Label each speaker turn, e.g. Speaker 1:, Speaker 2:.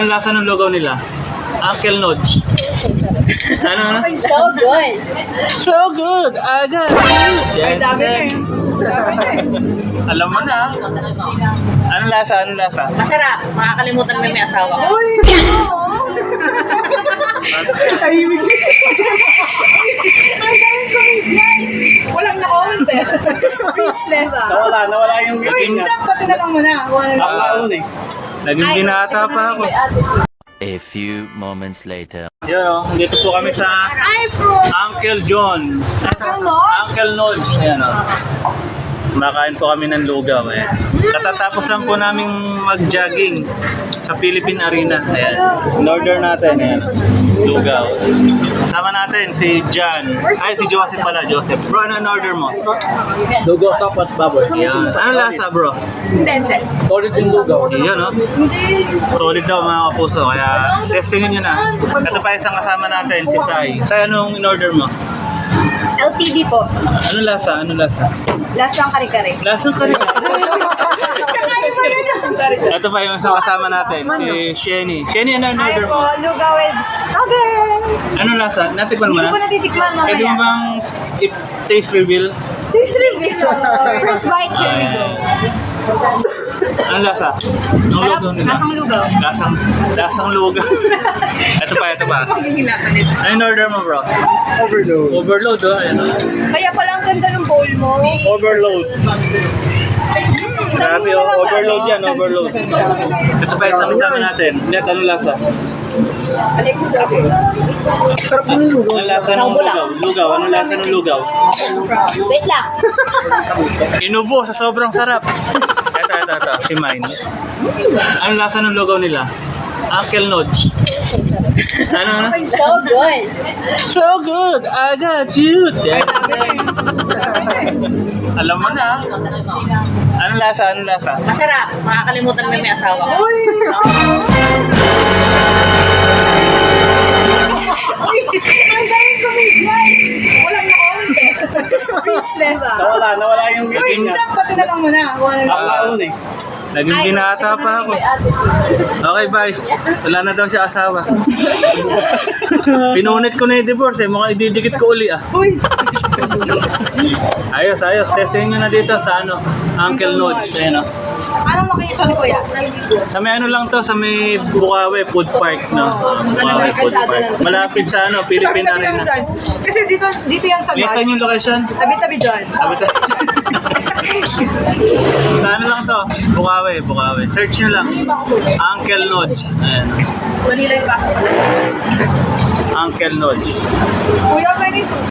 Speaker 1: Ang lasa ng lugaw nila? Uncle Nodge. Ano?
Speaker 2: So good.
Speaker 1: So good! Agad! Yan, yan. Alam mo na. Anong lasa? Anong lasa?
Speaker 2: Masarap. Makakalimutan mo yung may asawa ko.
Speaker 3: Tahimik. Ang daming comedian. Walang na-on, speechless ah.
Speaker 4: Nawala yung
Speaker 3: Uy,
Speaker 4: meeting niya.
Speaker 3: stop, pati na lang muna.
Speaker 4: Ako eh.
Speaker 1: Naging binata pa ako.
Speaker 5: A few moments later.
Speaker 1: Yan o, dito po kami sa Uncle John. Uncle Nodge. Yan o. Kumakain po kami ng lugaw. Ayan. Katatapos lang po namin mag-jogging sa Philippine Arena. Ayan. In-order natin. Ayan. Lugaw. Kasama natin si John. Ay, si Joseph pala. Joseph. Bro, ano in-order mo?
Speaker 4: Lugaw top at baboy.
Speaker 1: Ayan. Ano lasa, bro?
Speaker 3: Hindi.
Speaker 4: Solid yung lugaw.
Speaker 1: Yan o. Solid daw mga kapuso. Kaya testingin nyo na. Ito pa isang kasama natin, si Sai. Sai, anong in-order mo?
Speaker 2: LTD po.
Speaker 1: Ano lasa? Ano lasa?
Speaker 2: Lasang kare-kare.
Speaker 1: Lasang ka rin. Ito pa yung isang kasama natin, si Shenny. Shenny, ano in-order mo?
Speaker 3: Lugaw with okay.
Speaker 1: Ano lasa? Natikman mo
Speaker 3: Hindi
Speaker 1: na?
Speaker 3: ko natitikman mamaya.
Speaker 1: Pwede mo bang taste reveal?
Speaker 3: This reveal. First bite, here we go.
Speaker 1: Ano lasa? Anong lugaw nila?
Speaker 3: Lasang lugaw.
Speaker 1: Lasang lugaw. Ito pa, ito pa.
Speaker 3: Magiging lasa nito.
Speaker 1: Ano in-order mo, bro?
Speaker 4: Overload.
Speaker 1: Overload, oh. Ayan, oh.
Speaker 3: Kaya pala ang ganda ng bowl mo.
Speaker 1: Overload. Grabe, oh. Overload yan, overload. Ito pa isang kasama natin. Net, anong lasa?
Speaker 2: Alay ko sa akin.
Speaker 4: Sarap yung lugaw.
Speaker 1: Anong lasa ng lugaw? Lugaw, anong lasa ng lugaw?
Speaker 2: Wait lang.
Speaker 1: Inubo sa sobrang sarap. Ito, si Mine. Anong lasa ng lugaw nila? Uncle Nodge. Ano?
Speaker 2: So good.
Speaker 1: So good! I got you! Yan. Alam mo na. Anong lasa? Anong lasa?
Speaker 2: Masarap. Makakalimutan mo yung may asawa ko.
Speaker 3: Ang daming comedian. Walang na-on. Speechless ah.
Speaker 4: Nawala yung
Speaker 3: Uy,
Speaker 4: meeting niya.
Speaker 3: stop, pati na lang muna.
Speaker 4: Ako eh.
Speaker 1: Naging binata pa ako. Okay, guys. Wala na daw siya asawa. Pinunit ko na yung divorce eh. Mukhang ididikit ko uli ah.
Speaker 3: Uy,
Speaker 1: Ayos, ayos. Testing nyo na dito sa Uncle Nodge. Ayan o.
Speaker 3: anong location kuya?
Speaker 1: Sa may ano lang to, sa may Bukawi Food Park, no? Bukawi Food Park. Malapit sa Philippine
Speaker 3: Tabi-tabi lang
Speaker 1: Arena.
Speaker 3: dyan. Kasi dito yan sa
Speaker 1: Saan yung location?
Speaker 3: Tabi-tabi dyan.
Speaker 1: Sa ano lang to? Bukawi. Search nyo lang. Uncle Nodge. Ayan.
Speaker 2: Walilay pa.
Speaker 1: Uncle Nodge.
Speaker 3: Kuya, pwede